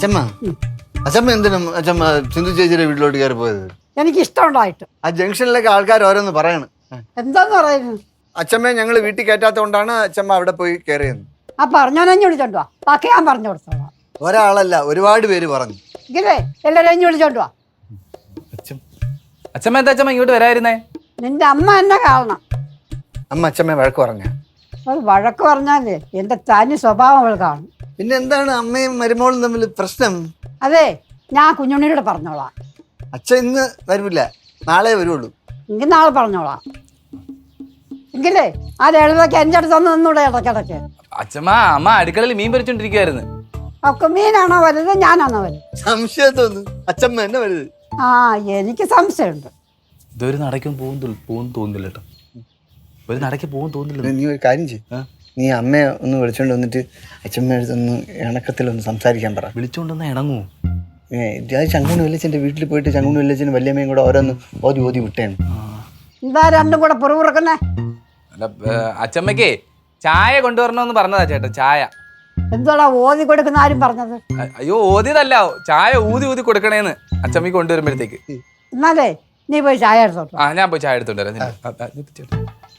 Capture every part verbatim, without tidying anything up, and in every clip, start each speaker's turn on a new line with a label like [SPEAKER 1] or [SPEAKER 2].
[SPEAKER 1] അച്ഛമ്മ അച്ഛമ്മ എന്തിനും അച്ഛമ്മ സിന്ധു ചേച്ചിയുടെ വീട്ടിലോട്ട് കയറി പോയത്?
[SPEAKER 2] എനിക്ക് ഇഷ്ടമുണ്ടായിട്ട്.
[SPEAKER 1] ആ ജംഗ്ഷനിലൊക്കെ ആൾക്കാർ ഓരോന്ന് പറയണം.
[SPEAKER 2] എന്താന്ന് പറയുന്നു?
[SPEAKER 1] അച്ഛമ്മയെ ഞങ്ങൾ വീട്ടിൽ കയറ്റാത്തോണ്ടാണ് അച്ഛമ്മ അവിടെ പോയി കയറിയത്.
[SPEAKER 2] ആ പറഞ്ഞോനെഞ്ഞു വിളിച്ചോണ്ട് വാ, ബാക്കി ഞാൻ പറഞ്ഞു കൊടുത്തോളാം.
[SPEAKER 1] ഒരാളല്ല, ഒരുപാട് പേര് പറഞ്ഞു.
[SPEAKER 2] ഇല്ലേ എല്ലാവരും എഞ്ഞു വിളിച്ചോണ്ട് വാ.
[SPEAKER 3] അച്ഛമ്മ എന്താ അച്ഛമ്മ ഇങ്ങോട്ട് വരായിരുന്നേ?
[SPEAKER 2] നിന്റെ അമ്മ എന്നെ കാണണം.
[SPEAKER 1] അമ്മ അച്ഛമ്മയെ വഴക്ക് പറഞ്ഞ?
[SPEAKER 2] അത് വഴക്ക് പറഞ്ഞാലേ എന്റെ തനി സ്വഭാവം അവൾ കാണും.
[SPEAKER 1] പിന്നെ എന്താണ് അമ്മയും മരുമോളും തമ്മിൽ പ്രശ്നം?
[SPEAKER 2] അതെ, ഞാൻ കുഞ്ഞുണ്ണിയോട് പറഞ്ഞോളാം.
[SPEAKER 1] അച്ഛൻ ഇന്ന് വരില്ല, നാളെ വരുള്ളൂ.
[SPEAKER 2] എങ്കിൽ നാളെ പറഞ്ഞോളാം. എങ്കിലേ ആ എഴുതൊക്കെ എൻ്റെ അടുത്ത് ഒന്ന് നിന്നൂടെ ഇടയ്ക്കിടയ്ക്ക്?
[SPEAKER 3] അച്ഛമ്മ അമ്മ അടുക്കളയിൽ മീൻ പൊരിച്ചോണ്ടിരിക്കുവായിരുന്നു.
[SPEAKER 2] ഒക്കെ മീനാണോ വലുത് ഞാനാണോ വലുത്?
[SPEAKER 1] സംശയം തോന്നുന്നു അച്ഛമ്മ എന്നെ വലുത്.
[SPEAKER 2] ആ എനിക്ക് സംശയമുണ്ട്.
[SPEAKER 3] ഇതൊരു നടക്കും പോകും പോകും തോന്നുന്നില്ല കേട്ടോ, ഒരു നടക്ക് പോകും തോന്നുന്നില്ല.
[SPEAKER 1] നീ ഒരു കാര്യം ചെയ്യ്, നീ അമ്മയെ ഒന്ന് വിളിച്ചോണ്ട് വന്നിട്ട് അച്ഛമ്മ അടുത്തൊന്ന് ഇണക്കത്തിലൊന്ന് സംസാരിക്കാൻ പറ.
[SPEAKER 3] വിളിച്ചോണ്ടെന്നാ ഇണങ്ങൂ?
[SPEAKER 1] അത് ചങ്കുണി വല്യച്ഛൻ്റെ വീട്ടിൽ പോയിട്ട് ചങ്കുണി വല്യച്ഛനും വല്യമ്മയും കൂടെ ഓരോന്ന് ഓതി ഓതി വിട്ടേണ്.
[SPEAKER 2] എന്താ രണ്ടും കൂടെ പുറകുറക്കുന്നേ?
[SPEAKER 3] അല്ല അച്ഛമ്മക്കേ ചായ കൊണ്ടുവരണമെന്ന് പറഞ്ഞതാ ചേട്ടാ. ചായ
[SPEAKER 2] എന്തോടാ ഓതി കൊടുക്കുന്ന ആരും പറഞ്ഞത്?
[SPEAKER 3] അയ്യോ ഓതിയതല്ല, ചായ ഊതി ഊതി കൊടുക്കണേന്ന് അച്ഛമ്മക്ക് കൊണ്ടുവരുമ്പോഴത്തേക്ക്.
[SPEAKER 2] എന്നാലേ നീ പോയി ചായ എടുത്തോട്ടോ.
[SPEAKER 3] ആ ഞാൻ പോയി ചായ എടുത്തോണ്ട് വരാം.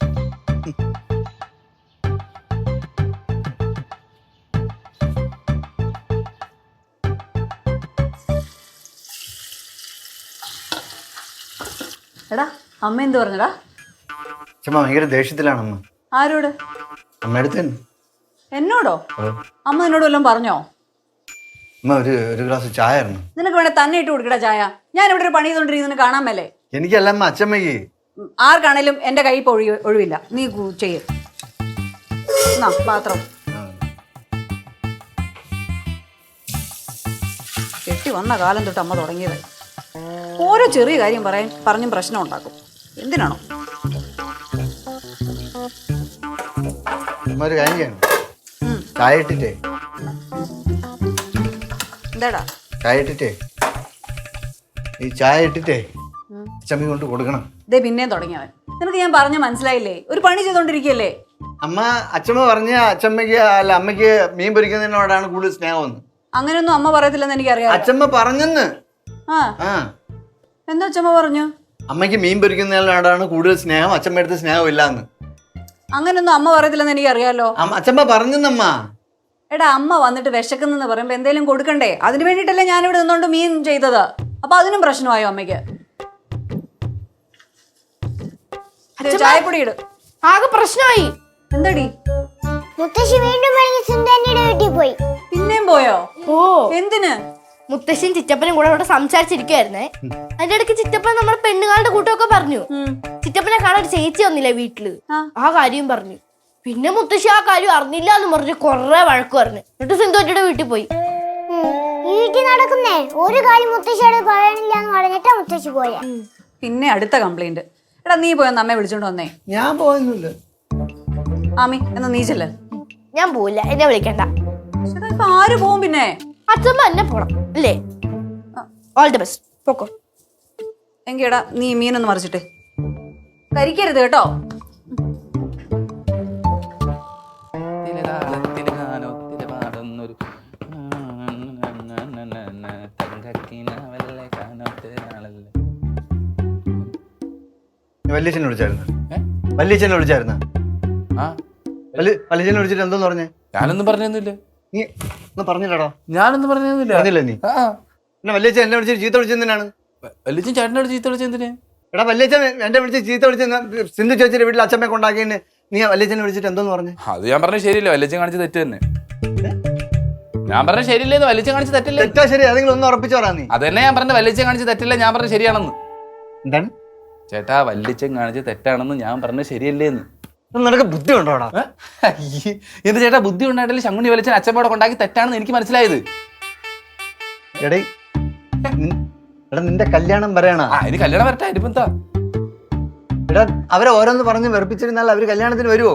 [SPEAKER 4] എടാ അമ്മ എന്ത് പറഞ്ഞടാ?
[SPEAKER 1] അച്ഛമ്മ ഭയങ്കര ദേഷ്യത്തിലാണ് അമ്മ.
[SPEAKER 4] ആരോട്?
[SPEAKER 1] അമ്മ അടുത്ത് തന്നെ.
[SPEAKER 4] എന്നോടോ? അമ്മ നിന്നോട് വല്ലതും പറഞ്ഞോ?
[SPEAKER 1] അമ്മ ഒരു ഒരു ഗ്ലാസ് ചായ ആയിരുന്നു.
[SPEAKER 4] നിനക്ക് വേണേ തന്നെ ഇട്ട് കൊടുക്കടാ ചായ. ഞാൻ ഇവിടെ ഒരു പണി ചെയ്തോണ്ടിരിക്കുന്നു കാണാൻ മേലേ?
[SPEAKER 1] എനിക്കല്ല അമ്മ, അച്ഛമ്മയ്ക്ക്.
[SPEAKER 4] ആർക്കാണേലും എന്റെ കൈ ഇപ്പൊ ഒഴി ഒഴിവില്ല. നീ ചെയ്യ പാത്രം കെട്ടി വന്ന കാലം തൊട്ട് അമ്മ തുടങ്ങിയത് ഓരോ ചെറിയ കാര്യം പറയാൻ പറഞ്ഞും പ്രശ്നം ഉണ്ടാക്കും. എന്തിനാണോ?
[SPEAKER 1] ഒരു കാര്യം ചെയ്യണം, ചായ ഇട്ടിട്ടേ
[SPEAKER 4] എന്താടാ
[SPEAKER 1] ചായ ഇട്ടിട്ടേ ഈ ചായ ഇട്ടിട്ടേ അച്ഛമ്മ കൊണ്ട് കൊടുക്കണം.
[SPEAKER 4] ഇതേ പിന്നെയും തുടങ്ങിയവൻ. നിനക്ക് ഞാൻ പറഞ്ഞ മനസ്സിലായില്ലേ? ഒരു പണി ചെയ്തോണ്ടിരിക്കല്ലേ
[SPEAKER 1] അമ്മ. അച്ഛമ്മ പറഞ്ഞ അച്ഛമ്മയ്ക്ക് അല്ല അമ്മയ്ക്ക് മീൻ പൊരിക്കുന്നതിനോടാണ് കൂടുതൽ സ്നേഹം.
[SPEAKER 4] അങ്ങനെയൊന്നും അമ്മ പറയത്തില്ലെന്ന് എനിക്കറിയാം.
[SPEAKER 1] അച്ഛമ്മ പറഞ്ഞെന്ന്.
[SPEAKER 4] ആ
[SPEAKER 1] ആ
[SPEAKER 4] എന്താ അച്ഛമ്മ പറഞ്ഞു?
[SPEAKER 1] അമ്മയ്ക്ക് മീൻ പൊരിക്കുന്നതിനോടാണ് കൂടുതൽ സ്നേഹം, അച്ഛമ്മ അടുത്ത് സ്നേഹം ഇല്ലാന്ന്.
[SPEAKER 4] അങ്ങനെയൊന്നും അമ്മ പറയത്തില്ലെന്ന് എനിക്കറിയാലോ.
[SPEAKER 1] അച്ഛമ്മ പറഞ്ഞെന്നമ്മ.
[SPEAKER 4] എടാ അമ്മ വന്നിട്ട് വിശക്കുന്നെന്ന് പറയുമ്പോ എന്തേലും കൊടുക്കണ്ടേ? അതിന് വേണ്ടിട്ടല്ലേ ഞാനിവിടെ നിന്നോണ്ട് മീൻ ചെയ്തത്. അപ്പൊ അതിനും പ്രശ്നമായോ അമ്മയ്ക്ക്? ചായപ്പൊടി ഇട്.
[SPEAKER 5] ആകെ പ്രശ്നമായി.
[SPEAKER 4] എന്തടി?
[SPEAKER 5] മുത്തശ്ശി വീണ്ടും സുന്ദരന്റെ വീട്ടിൽ പോയി.
[SPEAKER 4] പിന്നെയും പോയോ?
[SPEAKER 5] ഓ
[SPEAKER 4] എന്തിന്?
[SPEAKER 5] മുത്തശ്ശിയും ചിറ്റപ്പനും കൂടെ അവിടെ സംസാരിച്ചിരിക്കുവായിരുന്നേ. അതിന്റെ ഇടയ്ക്ക് ചിറ്റപ്പൻ നമ്മുടെ പെണ്ണുകാരുടെ കൂട്ടമൊക്കെ പറഞ്ഞു. ചിറ്റപ്പനെ കാണാൻ ഒരു ചേച്ചി വന്നില്ലേ വീട്ടില്, ആ കാര്യം പറഞ്ഞു. പിന്നെ മുത്തശ്ശി ആ കാര്യം അറിഞ്ഞില്ല എന്ന് പറഞ്ഞ് കൊറേ വഴക്ക് പറഞ്ഞു. എന്നിട്ട് സിന്ധുവിന്റെ വീട്ടിൽ പോയി. വീട്ടിൽ നടക്കുന്നേ ഒരു കാര്യം മുത്തശ്ശിയോട് പറയണില്ല എന്ന് പറഞ്ഞിട്ടാ മുത്തശ്ശി പോയ.
[SPEAKER 4] പിന്നെ അടുത്ത കംപ്ലൈന്റ്. എടാ നീ പോയൊന്ന് അമ്മയെ വിളിച്ചോണ്ട് വന്നേ.
[SPEAKER 1] ഞാൻ പോയൊന്നുമില്ല.
[SPEAKER 4] ആമി എന്നാ നീ ചെല്ല്.
[SPEAKER 5] ഞാൻ പോവില്ല, എന്നെ വിളിക്കണ്ട.
[SPEAKER 4] ആര് പോവും പിന്നെ?
[SPEAKER 5] അച്ഛമ്മ എന്നെ പോണം അല്ലേ? ഓൾ ദി ബെസ്റ്റ്, പോക്കോ.
[SPEAKER 4] എങ്കിടാ നീ മീനൊന്ന് മറിച്ചിട്ട് കരിക്കരുത് കേട്ടോ.
[SPEAKER 1] വല്യച്ഛനെ വിളിച്ചായിരുന്നു? വല്യച്ഛനെ വിളിച്ചായിരുന്ന? വല്യച്ഛനെ വിളിച്ചിട്ട് എന്തോന്ന് പറഞ്ഞേ?
[SPEAKER 3] ഞാനൊന്നും പറഞ്ഞൊന്നുമില്ല.
[SPEAKER 1] നീ ഒന്ന് പറഞ്ഞില്ലടാ.
[SPEAKER 3] ഞാനൊന്നും പറഞ്ഞൊന്നുമില്ല.
[SPEAKER 1] പറഞ്ഞില്ല നീ? പിന്നെ വല്യച്ഛൻ എന്നെ വിളിച്ചിട്ട് ചീത്ത വിളിച്ചെന്തിനാണ്?
[SPEAKER 3] വല്യച്ഛൻ ചേട്ടനോട് ചീത്ത വിളിച്ചെന്തിന്?
[SPEAKER 1] എടാ വല്യച്ഛൻ എന്നെ വിളിച്ച് ചീത്ത വിളിച്ച് സിന്ധു ചേച്ചിയുടെ വീട്ടിൽ അച്ഛമ്മയെ കൊണ്ടാക്കിയതിന് നീ വല്യച്ഛനെ വിളിച്ചിട്ട് എന്തോന്ന് പറഞ്ഞു?
[SPEAKER 3] അത് ഞാൻ പറഞ്ഞ ശരിയല്ല, വല്യച്ഛൻ കാണിച്ച തെറ്റ് തന്നെ. ഞാൻ പറഞ്ഞ ശരിയല്ലേന്ന്, വല്യച്ഛൻ കാണിച്ച തെറ്റല്ലേ?
[SPEAKER 1] തെറ്റാ ശരി ഏതെങ്കിലും ഒന്ന് ഉറപ്പിച്ചു പറയാ നീ.
[SPEAKER 3] അത് തന്നെ ഞാൻ പറഞ്ഞ വല്യച്ഛൻ കാണിച്ച തെറ്റല്ലേ, ഞാൻ പറഞ്ഞ ശരിയാണെന്ന്.
[SPEAKER 1] എന്താണ്
[SPEAKER 3] ചേട്ടാ വല്യച്ഛൻ കാണിച്ച തെറ്റാണെന്ന് ഞാൻ പറഞ്ഞ ശരിയല്ലേന്ന്.
[SPEAKER 1] നിനക്ക് ബുദ്ധി ഉണ്ടോടാ?
[SPEAKER 3] എന്ത് ചേട്ടാ ബുദ്ധി ഉണ്ടായിട്ടില്ല? ശങ്കുണി വല്യച്ഛൻ അച്ഛമ്മയോടെ കൊണ്ടാക്കി തെറ്റാണെന്ന് എനിക്ക് മനസ്സിലായത്.
[SPEAKER 1] എടേ എടാ നിന്റെ കല്യാണം പറയണ.
[SPEAKER 3] ആ ഇനി കല്യാണം വരട്ടെ, ഇനിയിപ്പോ എന്താ?
[SPEAKER 1] എടാ അവരെ ഓരോന്ന് പറഞ്ഞ് വെറുപ്പിച്ചിരുന്നാൽ അവര് കല്യാണത്തിന് വരുവോ?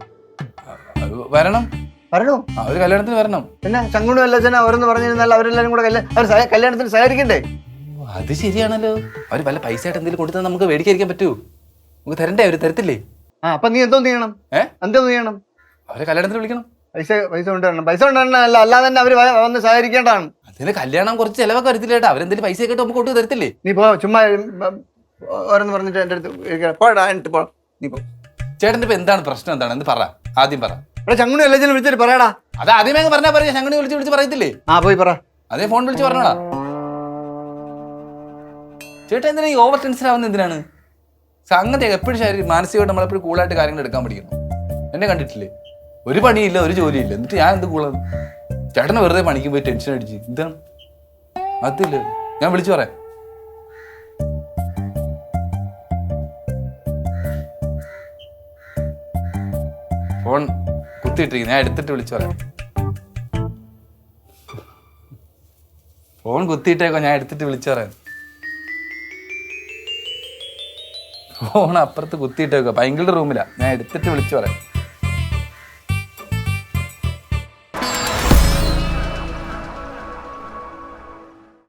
[SPEAKER 3] വരണം.
[SPEAKER 1] വരണോ?
[SPEAKER 3] അവര് കല്യാണത്തിന് വരണം.
[SPEAKER 1] പിന്നെ ചങ്കുണി വല്ലച്ഛന ഓരോന്ന് പറഞ്ഞിരുന്നാൽ അവരെല്ലാരും കൂടെ അവർ കല്യാണത്തിന് സഹകരിക്കണ്ടേ?
[SPEAKER 3] അത് ശരിയാണല്ലോ. അവര് വല്ല പൈസ ആയിട്ട് എന്തെങ്കിലും കൊടുത്താൽ നമുക്ക് മേടിക്കാതിരിക്കാൻ പറ്റുമോ? നമുക്ക് തരണ്ടേ? അവര് തരത്തില്ലേ?
[SPEAKER 1] ആ അപ്പൊ നീ എന്തോ ചെയ്യണം? ഏഹ് എന്തോ ചെയ്യണം?
[SPEAKER 3] അവരെ കല്യാണത്തിന് വിളിക്കണം.
[SPEAKER 1] പൈസ പൈസ കൊണ്ടുവരണം പൈസ കൊണ്ടുവരണം അല്ല അല്ലാതെ തന്നെ അവര് വ- വന്ന് സഹകരിക്കേണ്ടതാണ്.
[SPEAKER 3] അതിന് കല്യാണം കുറച്ച് ചിലവൊക്കെ വരത്തില്ല ചേട്ടാ, അവരെന്തെങ്കിലും പൈസ ഒക്കെ നമുക്ക് കൊണ്ടു തരത്തില്ലേ?
[SPEAKER 1] നീ പോ ചുമ്മാ ഉം, ഓരോന്ന് പറഞ്ഞിട്ട് എൻ്റെ അടുത്ത് ഇരിക്കണം. പോടാ എന്നിട്ട് പോ നീ പോ.
[SPEAKER 3] ചേട്ടൻ്റെ ഇപ്പൊ എന്താണ് പ്രശ്നം, എന്താണ് എന്ന് പറ, ആദ്യം പറ.
[SPEAKER 1] ഇവിടെ ചങ്ങുണി എല്ലാം വിളിച്ചിട്ട് പറയടാ.
[SPEAKER 3] അത് ആദ്യമേ അങ്ങ് പറഞ്ഞാൽ പറയാ, ഞങ്ങൾ വിളിച്ച് വിളിച്ച് പറയത്തില്ലേ?
[SPEAKER 1] ആ പോയി പറ.
[SPEAKER 3] അതേ ഫോൺ വിളിച്ച് പറഞ്ഞോടാ. ചേട്ടാ എന്തിനാ ഈ ഓവർ ടെൻഷൻ ആവുന്നത് എന്തിനാണ്? സംഗതി എപ്പോഴും ശരീരം മാനസികമായിട്ട് നമ്മളെപ്പോഴും കൂളായിട്ട് കാര്യങ്ങൾ എടുക്കാൻ പഠിക്കണം. എന്നെ കണ്ടിട്ടില്ലേ, ഒരു പണിയില്ല ഒരു ജോലിയില്ല, എന്നിട്ട് ഞാൻ എന്ത് കൂളാണ്? ചേട്ടനെ വെറുതെ പണിക്ക് പോയി ടെൻഷൻ അടിച്ച് എന്താണ്? അതില്ല, ഞാൻ വിളിച്ചു പറയാം. ഫോൺ കുത്തിയിട്ടിരിക്കും, ഞാൻ എടുത്തിട്ട് വിളിച്ചു പറയാം. ഫോൺ കുത്തിയിട്ടേക്കോ, ഞാൻ എടുത്തിട്ട് വിളിച്ചു പറയാം. ഫോൺ അപ്പുറത്ത് കുത്തിയിട്ടേക്കോ, പൈങ്കിളുടെ റൂമിലാ, ഞാൻ എടുത്തിട്ട് വിളിച്ചു പറയാം.